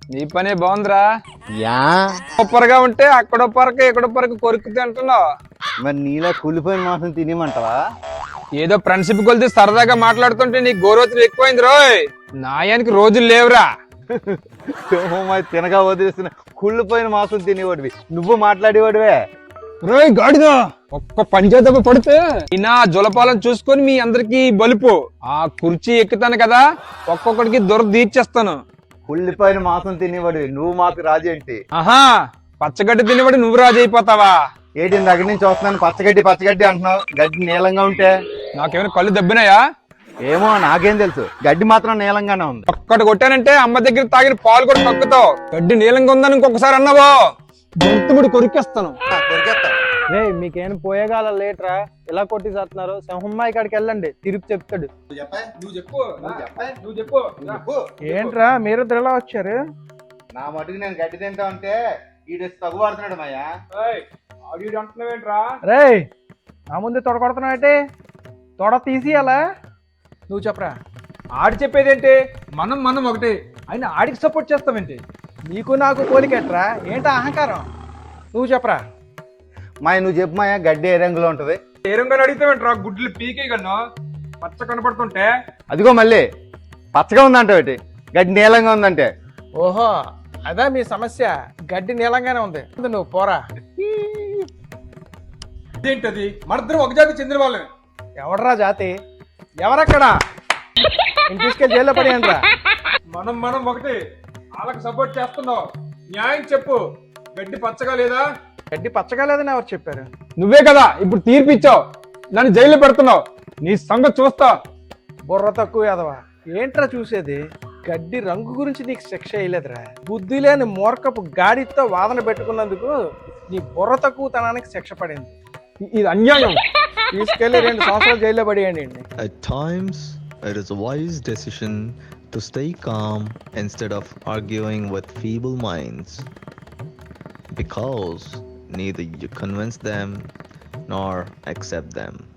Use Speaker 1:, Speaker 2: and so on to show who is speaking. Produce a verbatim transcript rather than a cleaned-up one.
Speaker 1: నీ పనే బాగుందిరా.
Speaker 2: యా
Speaker 1: ఉప్పరగా ఉంటే అక్కడో పరక ఎక్కడో పరక కొరుకు తింటున్నావు.
Speaker 2: మరి నీలా కూలిపోయిన మాసం తినేమంటావా?
Speaker 1: ఏదో ఫ్రెండ్షిప్ కొలితే సరదాగా మాట్లాడుతుంటే నీ గోరోతులు ఎక్కువైంది రోయ్. నాయానికి రోజులు లేవురా.
Speaker 2: తినగా వదిలేస్తున్న కుళ్ళిపోయిన మాసం తినేవాడివి, నువ్వు మాట్లాడేవాడివే.
Speaker 1: రోయ్ గాడిదా, ఒక్క పంచేదెబ్బ పడితే నా జులపాలను చూసుకొని మీ అందరికి బలుపు. ఆ కుర్చీ ఎక్కుతాను కదా, ఒక్కొక్కడికి దొర తీర్చేస్తాను.
Speaker 2: కుళ్ళిపోయిన మాసం తినేవాడివి, నువ్వు మాకు రాజు ఏంటి?
Speaker 1: ఆహా, పచ్చగడ్డి తినేవాడు నువ్వు రాజు అయిపోతావా?
Speaker 2: ఏంటి దగ్గర నుంచి వస్తున్నాను పచ్చగడ్డి పచ్చగడ్డి అంటున్నావు, గడ్డి నీలంగా ఉంటే?
Speaker 1: నాకేమైనా కళ్ళు దెబ్బినాయా?
Speaker 2: ఏమో నాకేం తెలుసు, గడ్డి మాత్రం నీలంగానే ఉంది.
Speaker 1: ఒక్కటి కొట్టానంటే అమ్మ దగ్గర తాగిన పాలు కూడా కక్కుతావు. గడ్డి నీలంగా ఉందని ఇంకొకసారి అన్నావో గొంతుముడి కొరికేస్తాను.
Speaker 3: రే మీకేం పోయేగాల లేట్రా, ఇలా కొట్టి చేస్తున్నారు. సింహమ్మాయి కాడికి వెళ్ళండి, తిరిగి చెప్తాడు. ఏంట్రా మీరు ఇలా వచ్చారు?
Speaker 2: నా మటుకు నేను గడ్డి తింటా ఉంటే ఈడు తగువాడుతున్నాడు మాయా.
Speaker 3: రే నా ముందు తొడ కొడుతున్నావు, తొడ తీసి అలా
Speaker 1: నువ్వు చెప్పరా. ఆడి చెప్పేదేంటి? మనం మనం ఒకటి ఆయన ఆడికి సపోర్ట్ చేస్తావేంటి?
Speaker 3: నీకు నాకు పోలికెట్రా, ఏంటా అహంకారం? నువ్వు చెప్పరా.
Speaker 2: మాయ నువ్వు చెప్పు మాయా, గడ్డి ఏ రంగులో ఉంటది?
Speaker 1: ఏ రంగుని అడిగితేవేంట్రా, గుడ్లు పీకే కన్నా పచ్చ కనపడుతుంటే.
Speaker 2: అదిగో మళ్ళీ పచ్చగా ఉందంటే గడ్డి నీలంగా ఉందంటే.
Speaker 3: ఓహో అదా మీ సమస్య, గడ్డి నీలంగానే ఉంది. నువ్వు పోరా.
Speaker 1: ఏంటది? మనిద్దరం ఒక జాతి చెందిన వాళ్ళని.
Speaker 3: ఎవడరా జాతి? ఎవరక్కడా? నేను తీసుకెళ్ళి జైల్లో పడేయండి రా.
Speaker 1: మనం మనం ఒకటి, వాళ్ళకి సపోర్ట్ చేస్తున్నావు. న్యాయం చెప్పు, గడ్డి పచ్చగా లేదా?
Speaker 3: గడ్డి పచ్చగా లేదని ఎవరు చెప్పారు?
Speaker 1: నువ్వే కదా ఇప్పుడు తీర్పిచ్చావు, నన్ను జైల్లో పెడుతున్నావు. నీ సంగతి చూస్తా.
Speaker 3: బుర్ర తక్కువ ఎదవా. ఏంట్రా చూసేది? గడ్డి రంగు గురించి నీకు శిక్ష వేయలేదురా. బుద్ధి లేని మూర్ఖపు గాడితో వాదన పెట్టుకున్నందుకు నీ బుర్ర తక్కువ తనానికి శిక్ష పడింది.
Speaker 1: ఇది అన్యాయం.
Speaker 3: తీసుకెళ్లి రెండు సంవత్సరాలు జైల్లో పడేయండి.
Speaker 4: At times, it is a wise decision to stay calm instead of arguing with feeble minds, because neither you convince them nor accept them.